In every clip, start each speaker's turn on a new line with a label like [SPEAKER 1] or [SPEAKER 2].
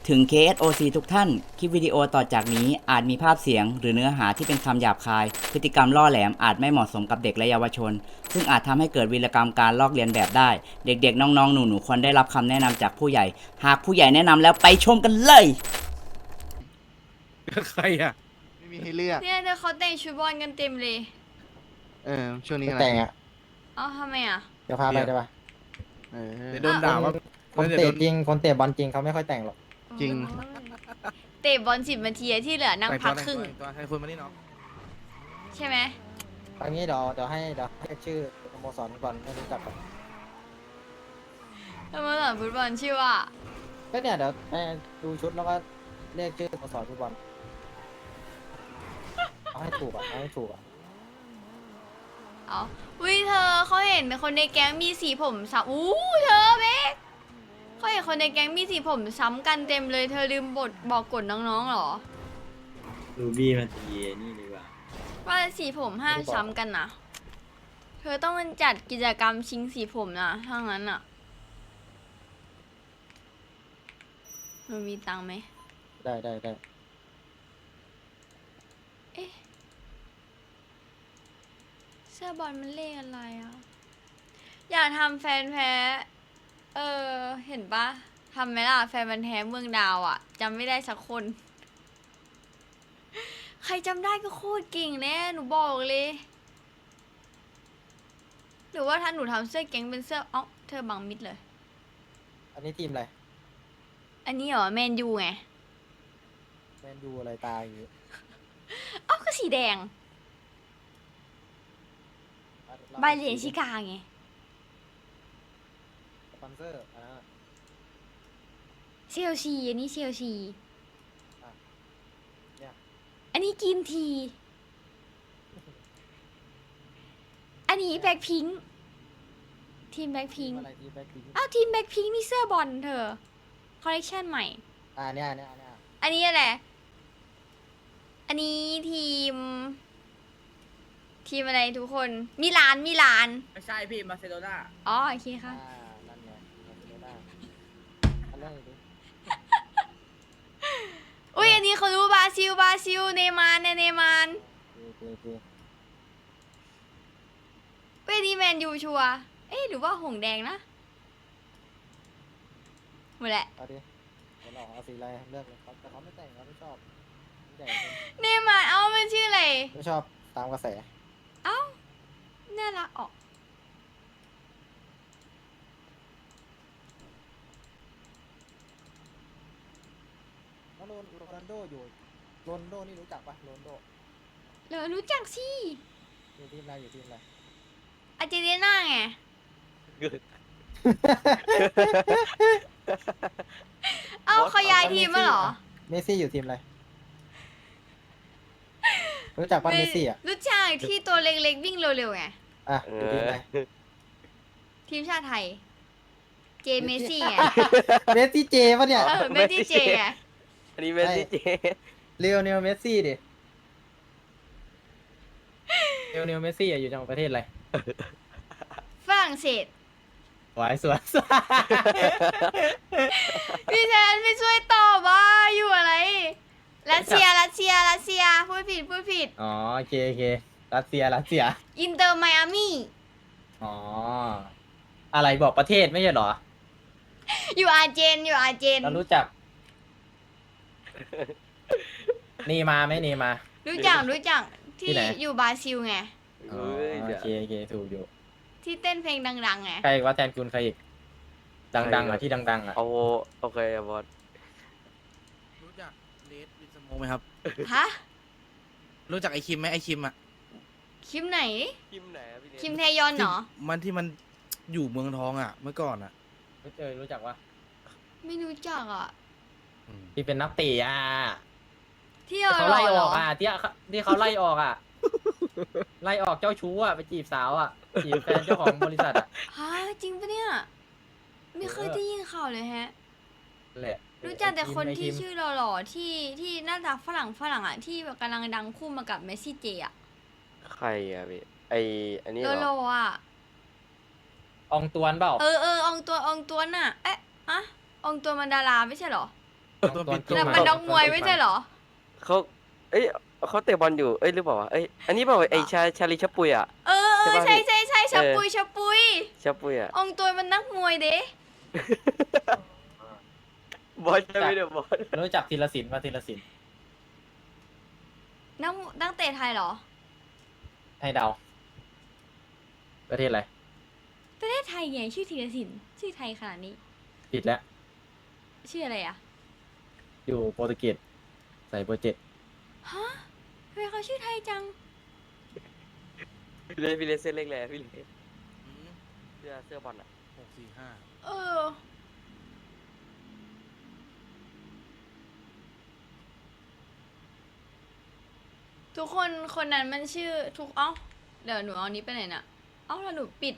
[SPEAKER 1] ถึง KSOC ทุกท่าน คลิปวิดีโอต่อจากนี้อาจมีภาพเสียงหรือเนื้อหาที่เป็นคำหยาบคาย พฤติกรรมล่อแหลมอาจไม่เหมาะสมกับเด็กและเยาวชน ซึ่งอาจทำให้เกิดวีรกรรมการลอกเลียนแบบได้ เด็กๆ น้องๆ หนูๆ ควรได้รับคำแนะนำจากผู้ใหญ่ หากผู้ใหญ่แนะนำแล้วไปชมกันเลย
[SPEAKER 2] ใครอ่ะ
[SPEAKER 3] ไม่มีให้เลือก
[SPEAKER 4] เนี่ยเธอเขาแต่งชุดบอลกันเต็มเลย
[SPEAKER 3] ช่วงนี้
[SPEAKER 5] ไม่
[SPEAKER 3] อะไร
[SPEAKER 5] แต่งอ่ะ
[SPEAKER 4] เอ้าทำไมอ่ะ
[SPEAKER 5] เดี๋ยวพาไปได้ปะ
[SPEAKER 3] เออ
[SPEAKER 2] เดี๋ยวโดนด่าว่า
[SPEAKER 5] คน
[SPEAKER 2] เดี๋ยว
[SPEAKER 5] เตะ
[SPEAKER 2] โดน
[SPEAKER 5] จริง คนเตะบอลจริงเขาไม่ค่อยแต่งหรอก
[SPEAKER 3] จริง
[SPEAKER 4] เตะบอล10 นาทีที่เหลือนั่งพักครึ่ง
[SPEAKER 2] ตัวให้คุณมานี่เนาะ
[SPEAKER 4] ใช่ไหม
[SPEAKER 5] ตอนนี้เดี๋ยวให้ชื่อสโมสรก่อนไม่รู้จักก่อน
[SPEAKER 4] สโมสรฟุตบอลชื่อว่า
[SPEAKER 5] ก็เนี่ยเดี๋ยวให้ดูชุดแล้วก็เรียกชื่อสโมสรฟุตบอลเอาให้ถูกอ่ะเอาให้ถูกอ่ะ
[SPEAKER 4] เอาอุ้ยเธอเขาเห็นคนในแก๊งมีสีผมซ้ำอู้เธอเบ๊กเขาเห็นคนในแก๊งมีสีผมซ้ำกันเต็มเลย เธอลืมบอกกฎน้องๆเหรอ
[SPEAKER 6] รูบี้มาตีนี่ดีกว่า
[SPEAKER 4] ว่าสีผมห้ามซ้ำกันนะ เธอต้องจัดกิจกรรมชิงสีผมนะถ้างั้นอ่ะหนูมีตังค์ไหม
[SPEAKER 5] ได้
[SPEAKER 4] เอ๊ะเสื้อบอลมันเลขอะไรอ่ะ อยากทำแฟนแพ้ เห็นปะทำไหมล่ะแฟนมันแท้เมืองดาวอ่ะจำไม่ได้สักคน ใครจำได้ก็โคตรเก่งแน่หนูบอกเลย หรือว่าถ้าหนูทำเสื้อแก๊งเป็นเสื้อเธอบังมิดเลย
[SPEAKER 5] อันนี้ทีมอะไร
[SPEAKER 4] อันนี้เหรอแมนยูไง
[SPEAKER 5] แมนยูอะไรตาอย่างงี้
[SPEAKER 4] ก็สีแดงใบเหรียญชิกาไง
[SPEAKER 5] สปอนเซอร์อ่า
[SPEAKER 4] เชลซีอันนี้เชลซี
[SPEAKER 5] อ่ะเนี่ย
[SPEAKER 4] อันนี้กินที อันนี้แบ็คพิงค์ทีมแบ็คพิงค์
[SPEAKER 5] อะไรทีมแบ็คพิงค์
[SPEAKER 4] อ้าวทีมแบ็คพิงค์นี่เสื้อบอลเธอ คอลเลคชันใหม่
[SPEAKER 5] เนี่ย
[SPEAKER 4] อันนี้อะไร อันนี้ทีมอะไรทุกคน มิลาน
[SPEAKER 6] ไม่ใช่พี่มาเซโดนา
[SPEAKER 4] อ๋อโอเคค่ะ
[SPEAKER 5] นั่นไงไม่ได้อันแรกเลยดิ
[SPEAKER 4] อุ้ยอันนี้เขารู้บราซิลเนย์มาร์เนย์มาร์
[SPEAKER 5] โอเค
[SPEAKER 4] เว้ยนี่แมนยูชัวร์เอ๊ะหรือว่าหงแดงนะหมดแหละ
[SPEAKER 5] เอาดิเดี๋ยวเราเอาสีอะไรเลือกเลยแต่เขาไม่แต่งเขาไม่ชอบไม่แต่ง
[SPEAKER 4] เนย์มาร์มันชื่ออะไร
[SPEAKER 5] ไม่ชอบตามกระแส
[SPEAKER 4] เอ้าน่ารักออก
[SPEAKER 5] แล้วโรนัลโดอยู่โรนลโดนี่รู้จักปะโรนลโด
[SPEAKER 4] เหรอรู้จักสิ
[SPEAKER 5] อยู่ทีมอะไรอยู่ทีมอะไร
[SPEAKER 4] อาร์เจนติน่าไง เอ้าเขาย้ายทีมมาเหรอ
[SPEAKER 5] เมสซี่อยู่ทีมอะไรรู้จักปะเมสซี่อ่ะ
[SPEAKER 4] รู้จักที่ตัวเล็กๆวิ่งเร็วๆไง
[SPEAKER 5] อ่ะอยู่ทีมอะไร
[SPEAKER 4] ทีมชาติไทย เจเมสซี่ไง
[SPEAKER 5] เมสซี่เจปะเนี่ย
[SPEAKER 4] เมสซี่เจไง
[SPEAKER 6] อันนี้เมสซี่เจ
[SPEAKER 5] เลโอเนลเมสซี่ดิเลโอเนลเมสซี่อยู่จังหวัดประเทศอะไร
[SPEAKER 4] ฝรั่งเศส
[SPEAKER 5] สวยสวย
[SPEAKER 4] พี่แทนไม่ช่วยตอบว่าอยู่อะไร รัสเซีย พูดผิด
[SPEAKER 5] อ๋อโอเครัสเซีย
[SPEAKER 4] อินเตอร์ไมอามี่
[SPEAKER 5] อ๋ออะไรบอกประเทศไม่ใช่เหรอ
[SPEAKER 4] อยู่อาร์เจน
[SPEAKER 5] เรารู้จักนีมาไหมนีมา
[SPEAKER 4] รู้จัก
[SPEAKER 5] ที่
[SPEAKER 4] ที่
[SPEAKER 5] ไหน
[SPEAKER 4] อยู่บราซิลไง
[SPEAKER 5] อ๋อโอเคถูกอยู่
[SPEAKER 4] ที่เต้นเพลงดังๆไง
[SPEAKER 5] ใครว่าแทนคุณใครอีกดังๆอ่ะที่ดังๆอ่ะ
[SPEAKER 6] เอาโอเคบอส
[SPEAKER 2] รู้จักเลดวินสโมไหมครับ
[SPEAKER 4] ฮะ
[SPEAKER 2] รู้จักไอคิมไหมไอคิมอ่ะ
[SPEAKER 4] คิมไหน
[SPEAKER 6] คิมไหนอะพี่เน
[SPEAKER 4] คิมเทยอนเหรอ
[SPEAKER 2] ที่มันอยู่เมืองทองอ่ะ เมื่อก่อนอ่ะ
[SPEAKER 5] รู้จักว่า
[SPEAKER 4] ไม่รู้จักอ่ะ
[SPEAKER 5] ที่เป็นนักเตะอ่ะ
[SPEAKER 4] ที่
[SPEAKER 5] ที่เขา
[SPEAKER 4] หล่
[SPEAKER 5] ไล่
[SPEAKER 4] อ
[SPEAKER 5] อ
[SPEAKER 4] เหร
[SPEAKER 5] อ
[SPEAKER 4] อก
[SPEAKER 5] อ่ะที่เขาไล่ออกอ่ะ ไล่ออกเจ้าชู้อ่ะไปจีบสาวอ่ะจีบแฟนเจ้าของบริษัทอ่ะ
[SPEAKER 4] ฮะจริงปะเนี่ย ไม่เคยได้ยินข่าวเลยฮะ
[SPEAKER 5] แหละ
[SPEAKER 4] รู้จักแต่คนที่
[SPEAKER 5] ไอ้
[SPEAKER 4] ชื่อหล่อๆที่หน้าตาฝรั่งอ่ะที่แบบกำลังดังคู่มากับเมสซี่เจอ่ะ
[SPEAKER 6] ใครอะพี่อันนี้
[SPEAKER 4] โล
[SPEAKER 6] เหร
[SPEAKER 4] โล
[SPEAKER 6] อ
[SPEAKER 4] อ่ะ
[SPEAKER 5] อองตวนเปล่า
[SPEAKER 4] อองตัวน่ะ เอ๊ะอะอองตัวมันดาราไม่ใช่เหรอ
[SPEAKER 2] ตัวปิด
[SPEAKER 4] แต่มันนักมวยไม่ใช่เหรอ
[SPEAKER 6] เขาเอ้ยเขาเตะบอลอยู่เอ้ยหรือเปล่าวะเอ้ยอันนี้เปล่าวะไอ้ชาลีชะปุยอ่ะ
[SPEAKER 4] เออ
[SPEAKER 6] ใช่
[SPEAKER 4] ใช่
[SPEAKER 6] ปะ
[SPEAKER 4] ใช่ใช่ชะ
[SPEAKER 6] เออ
[SPEAKER 4] ปุยชะปุย
[SPEAKER 6] ชะปุยอ่ะ
[SPEAKER 4] องค์ตัวมันนักมวยเด้
[SPEAKER 6] บอสใช่ไหมเดี๋ยวบอส
[SPEAKER 5] รู้จักธีรศิลป์มาธีรศิลป์
[SPEAKER 4] นักเตะไทยเหรอ
[SPEAKER 5] ให้เดาประเทศอะไร
[SPEAKER 4] ประเทศไทยไงชื่อธีรศิลป์ชื่อไทยขนาดนี้
[SPEAKER 5] ผิดแล้ว
[SPEAKER 4] ชื่ออะไรอ่ะ
[SPEAKER 5] อยู่โปรตุเกสใส่เบอร์ 7
[SPEAKER 4] ฮะทำไมเขาชื่อไทยจัง
[SPEAKER 6] พี่เลสเส้นเล็กเลยพี่เลสเสื้อบอลอ่ะ
[SPEAKER 2] 645
[SPEAKER 4] เออ ทุกคนคนนั้นมันชื่อเดี๋ยวหนูเอานี้ไปไหนน่ะแล้วหนูปิด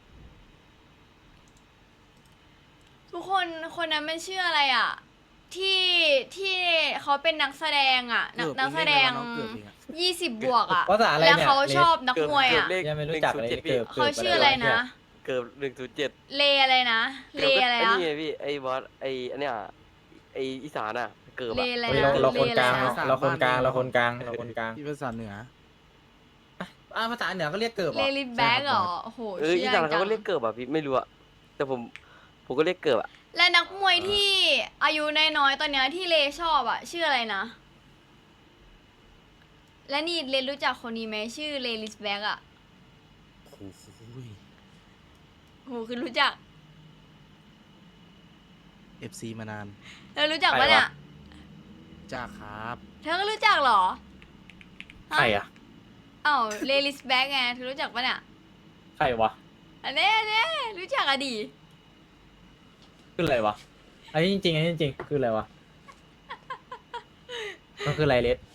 [SPEAKER 4] ทุกคนคนนั้นมันชื่ออะไรอ่ะ ที่เขาเป็นนักแสดงอ่ะ นักแสดง 20 บวกอ่ะ
[SPEAKER 5] ภาษาอะไร
[SPEAKER 4] แล้ว
[SPEAKER 5] เนี่ย
[SPEAKER 4] เขาชอบนักมวยอ่ะ
[SPEAKER 5] ยังไม่รู้จักเลยเกิด
[SPEAKER 4] เขาชื่ออะไรนะ
[SPEAKER 6] เกือบ107
[SPEAKER 4] เลอะไรนะ เลอะไร
[SPEAKER 6] ไอ้
[SPEAKER 4] นะ
[SPEAKER 6] นี่ไงพี่ไอ้บอสไอ้อันเนี้ยไอ้อีสานอ่ะเกือบ
[SPEAKER 4] เล
[SPEAKER 6] อ่ะ
[SPEAKER 4] อะไร
[SPEAKER 5] เฮ้ย
[SPEAKER 4] นะ
[SPEAKER 5] เราคนกลาง
[SPEAKER 4] เลอะไรนะ
[SPEAKER 5] เราคนกลางเราคนกลางเราคนกลาง
[SPEAKER 2] ที่ภาษาเหนือ
[SPEAKER 5] ภาษาเหนือก็เรียกเกิบเหร
[SPEAKER 4] เล
[SPEAKER 5] อ
[SPEAKER 4] ลิทแบ็กเหรอ โอ้โห
[SPEAKER 6] อี
[SPEAKER 4] ชื่อ
[SPEAKER 6] สาน
[SPEAKER 4] อะไร
[SPEAKER 6] เขา
[SPEAKER 4] จั
[SPEAKER 6] ก็
[SPEAKER 4] ง
[SPEAKER 6] เรียกเกือบอ่ะพี่ไม่รู้อ่ะแต่ผมก็เรียกเกือบอ่ะ
[SPEAKER 4] และนักมวยที่อายุน้อยๆตอนเนี้ยที่เลชอบอ่ะ ชื่ออะไรนะ และนี่เลรู้จักคนนี้ไหมชื่อเลลิสแบ็กอ่ะ
[SPEAKER 2] โอ้โห
[SPEAKER 4] โหคือรู้จัก
[SPEAKER 2] FC มานาน
[SPEAKER 4] เธอรู้จักปะเนี่ย
[SPEAKER 2] จ้าครับ
[SPEAKER 4] เธอก็รู้จักเหรอ
[SPEAKER 5] ใครอ่ะ
[SPEAKER 4] อ้าวเลลิสแบ็กไงเธอรู้จักปะเนี่ย
[SPEAKER 5] ใครวะ
[SPEAKER 4] อันนี้รู้จักอะดี
[SPEAKER 5] คืออะไรวะอันนี้จริงๆอันนี้จริงๆคืออะไรวะมันคืออะไรเลส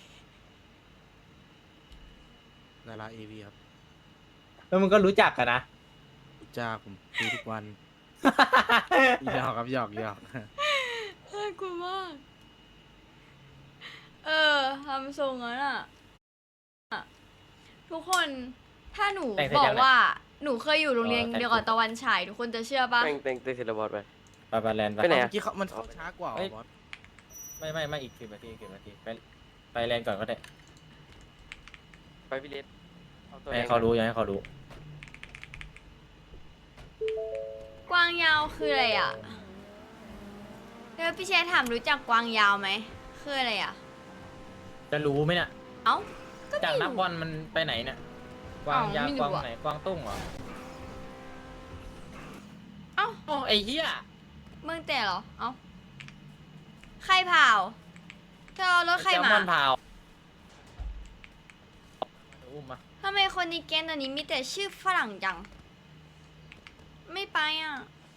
[SPEAKER 2] ดารา AV ครับ
[SPEAKER 5] แล้วมึงก็รู้จักกันนะ
[SPEAKER 2] จ้าผมดูทุกวัน หยอกครับหยอก
[SPEAKER 4] น่ากลัวมาก ทำทรงนั้นอ่ะ ทุกคนถ้าหนู
[SPEAKER 5] แต่งเสร็จ
[SPEAKER 4] บอ
[SPEAKER 5] ยั
[SPEAKER 4] ก
[SPEAKER 5] งเนี่ย
[SPEAKER 4] ว่าหนูเคยอยู่โรงเรียน
[SPEAKER 5] แต่ง
[SPEAKER 4] เดียวกับตะวันฉายทุกคนจะเชื่อปะ
[SPEAKER 6] แต่งเสร็จแล้วบอสไป
[SPEAKER 5] ไปแลนด์ไป
[SPEAKER 6] ไปไหน
[SPEAKER 2] เมื่อกี้เขามันเข้าช้ากว่าเหรอบอส
[SPEAKER 5] ไม่อีก10 นาทีไปแลนด์ก่อนก็ได้
[SPEAKER 6] ไปพี่เลสเอาตัว
[SPEAKER 5] ให้เขารู้ยังให้เขารู้
[SPEAKER 4] กวางยาวคืออะไรอ่ะแล้วพี่เชษถามรู้จักกวางยาวไหมคืออะไรอ่ะ
[SPEAKER 5] จะรู้ไหมเนี่ย
[SPEAKER 4] เอ้าก็
[SPEAKER 5] จาก
[SPEAKER 4] ไม่
[SPEAKER 5] นัก
[SPEAKER 4] รู้
[SPEAKER 5] บอลมันไปไหนเนี่ยกวางยาว
[SPEAKER 4] ไม่รู้
[SPEAKER 5] กวาง
[SPEAKER 4] อะ
[SPEAKER 5] ไหนกวางตุ้งเหรอ
[SPEAKER 4] เอ้า
[SPEAKER 5] โอ้ไอ้เหี้ย
[SPEAKER 4] เมืองแต่เหรอ เอ้าใครเผาเธอเอารถใคร
[SPEAKER 5] แซล
[SPEAKER 4] มาม
[SPEAKER 5] อนพาวอุ้มมา
[SPEAKER 4] ทำไมคนในแก๊งตอนนี้มีแต่ชื่อฝรั่งจัง ไม่ไปอ่ะ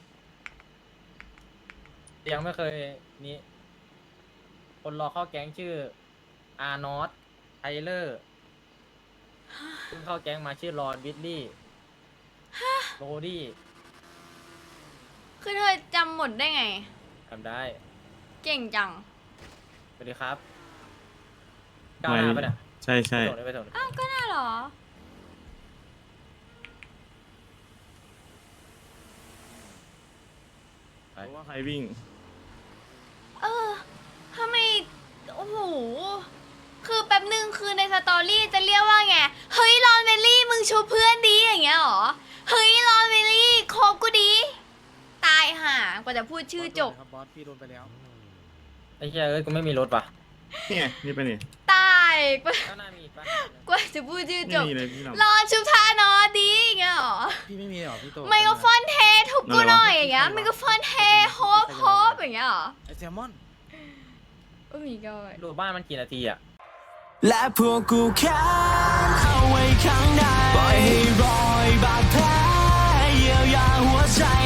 [SPEAKER 5] ยังไม่เคยนี้คนรอเข้าแก๊งชื่ออาร์นอตไทเลอร์เพิ่งเข้าแก๊งมาชื่อรอนวิดลี่โรดี้
[SPEAKER 4] คือเธอจำหมดได้ไง
[SPEAKER 5] ทำได้
[SPEAKER 4] เก่งจัง
[SPEAKER 5] สวัสดีครับก้าวหน้าปะเนี่ย
[SPEAKER 7] ใช่ใช่
[SPEAKER 5] ไปส่ง
[SPEAKER 4] อ้าว ก็น่าเหรอ
[SPEAKER 7] เพราะว่าใครวิ่ง
[SPEAKER 4] ทำไม โอ้โห คือแป๊บนึงคือในสตอรี่จะเรียกว่าไง เฮ้ยรอนเวลลี่มึงชูเพื่อนดีอย่างเงี้ยเหรอ เฮ้ยรอนเวลลี่คบกูดี ตายห่ากว่าจะพูดชื่อจบ
[SPEAKER 2] ครับบอสพี่โดนไปแล้ว
[SPEAKER 5] ไอ้เหี้ยเอ้ยกูไม่มีรถว่ะ
[SPEAKER 7] นี่ไงนี่ไปนี่
[SPEAKER 4] ตายกว่า
[SPEAKER 5] ก้าวหน้ามีอีกปะ
[SPEAKER 4] กว่าจะพูดชื่อจ
[SPEAKER 7] นี่
[SPEAKER 4] บ
[SPEAKER 7] มีเลยพี่หน้อง
[SPEAKER 4] รอนชุบท่านอดีอย่างเงี้ยเหรอ
[SPEAKER 2] พี่ไม่มีหรอพี่โต
[SPEAKER 4] ไมโครโฟนเททุบกูหน่อยอย่างเงี้ยไมโครโฟนเทโฮปโฮปอย่างเงี้ยเหรอ
[SPEAKER 2] ไอแซลมอน
[SPEAKER 4] โอ้มีก็
[SPEAKER 5] ดูบ้านมันกี่นาทีอะ
[SPEAKER 8] และพวกกูแค้นเอาไว้ข้างในปล่อยให้รอยบาดแผลเยียวยาหัวใจ